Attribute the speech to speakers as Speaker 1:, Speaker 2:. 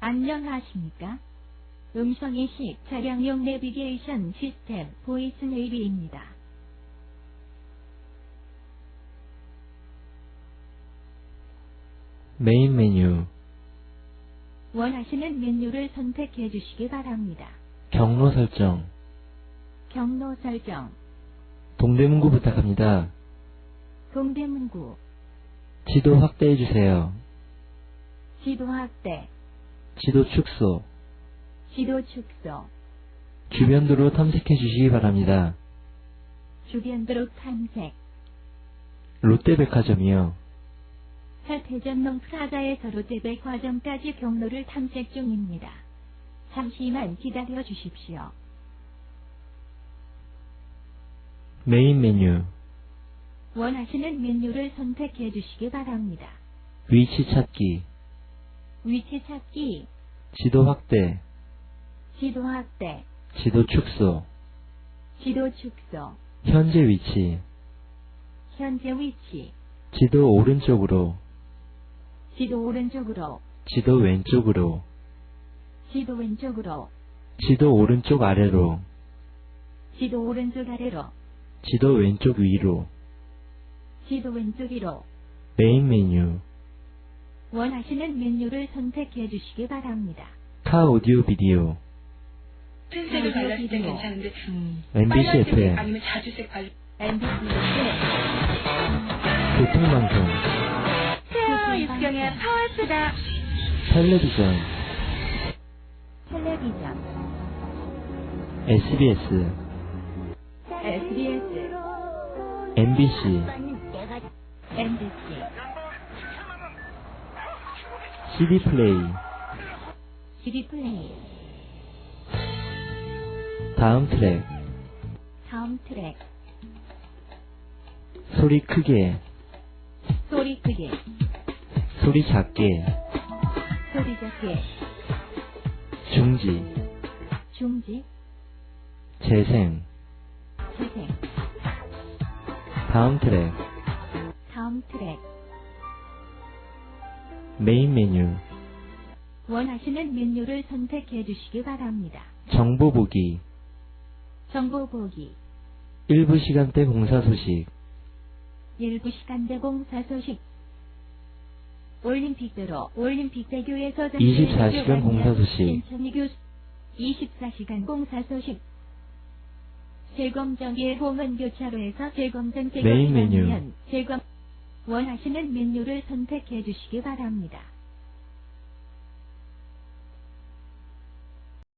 Speaker 1: 안녕하십니까? 음성인식 차량용 내비게이션 시스템 보이스 네이비입니다.
Speaker 2: 메인 메뉴.
Speaker 1: 원하시는 메뉴를 선택해 주시기 바랍니다.
Speaker 2: 경로 설정.
Speaker 1: 경로 설정,
Speaker 2: 동대문구 부탁합니다.
Speaker 1: 동대문구,
Speaker 2: 지도 확대해 주세요.
Speaker 1: 지도 확대,
Speaker 2: 지도 축소.
Speaker 1: 지도 축소,
Speaker 2: 주변 도로 탐색해 주시기 바랍니다.
Speaker 1: 주변 도로 탐색,
Speaker 2: 롯데백화점이요.
Speaker 1: 서태전동 프라자에서 롯데백화점까지 경로를 탐색 중입니다. 잠시만 기다려 주십시오.
Speaker 2: 메인 메뉴.
Speaker 1: 원하시는 메뉴를 선택해 주시기 바랍니다.
Speaker 2: 위치 찾기.
Speaker 1: 위치 찾기,
Speaker 2: 지도 확대.
Speaker 1: 지도 확대,
Speaker 2: 지도 축소.
Speaker 1: 지도 축소,
Speaker 2: 현재 위치.
Speaker 1: 현재 위치,
Speaker 2: 지도 오른쪽으로.
Speaker 1: 지도 오른쪽으로,
Speaker 2: 지도 왼쪽으로.
Speaker 1: 지도 왼쪽으로,
Speaker 2: 지도 오른쪽 아래로.
Speaker 1: 지도 오른쪽 아래로,
Speaker 2: 지도 왼쪽 위로.
Speaker 1: 지도 왼쪽 위로.
Speaker 2: 메인 메뉴.
Speaker 1: 원하시는 메뉴를 선택해 주시기 바랍니다.
Speaker 2: 카 오디오 비디오.
Speaker 3: 흰색을 발랐을 땐 괜찮은데
Speaker 2: MBC
Speaker 3: 빨간색
Speaker 2: FM.
Speaker 3: 아니면 자주색 발
Speaker 1: MBC의
Speaker 2: 교통방송.
Speaker 3: 태아 육경의 파워스다.
Speaker 2: 텔레비전.
Speaker 1: 텔레비전,
Speaker 2: SBS.
Speaker 1: SBS,
Speaker 2: MBC.
Speaker 1: MBC,
Speaker 2: CD 플레이.
Speaker 1: CD 플레이.
Speaker 2: 다음 트랙.
Speaker 1: 다음 트랙,
Speaker 2: 소리 크게.
Speaker 1: 소리 크게,
Speaker 2: 소리 작게.
Speaker 1: 소리 작게,
Speaker 2: 중지.
Speaker 1: 중지,
Speaker 2: 재생.
Speaker 1: 재생.
Speaker 2: 다음 트랙.
Speaker 1: 다음 트랙.
Speaker 2: 메인 메뉴.
Speaker 1: 원하시는 메뉴를 선택해 주시기 바랍니다.
Speaker 2: 정보 보기.
Speaker 1: 정보 보기,
Speaker 2: 일부 시간대 공사 소식.
Speaker 1: 일부 시간대 공사 소식. 올림픽대로 올림픽대교에서
Speaker 2: 24시간 공사 소식.
Speaker 1: 신천이교 24시간 공사 소식. 제검정의 홍은교차로에서 제검정
Speaker 2: 메인 메뉴.
Speaker 1: 제검 원하시는 메뉴를 선택해 주시기 바랍니다.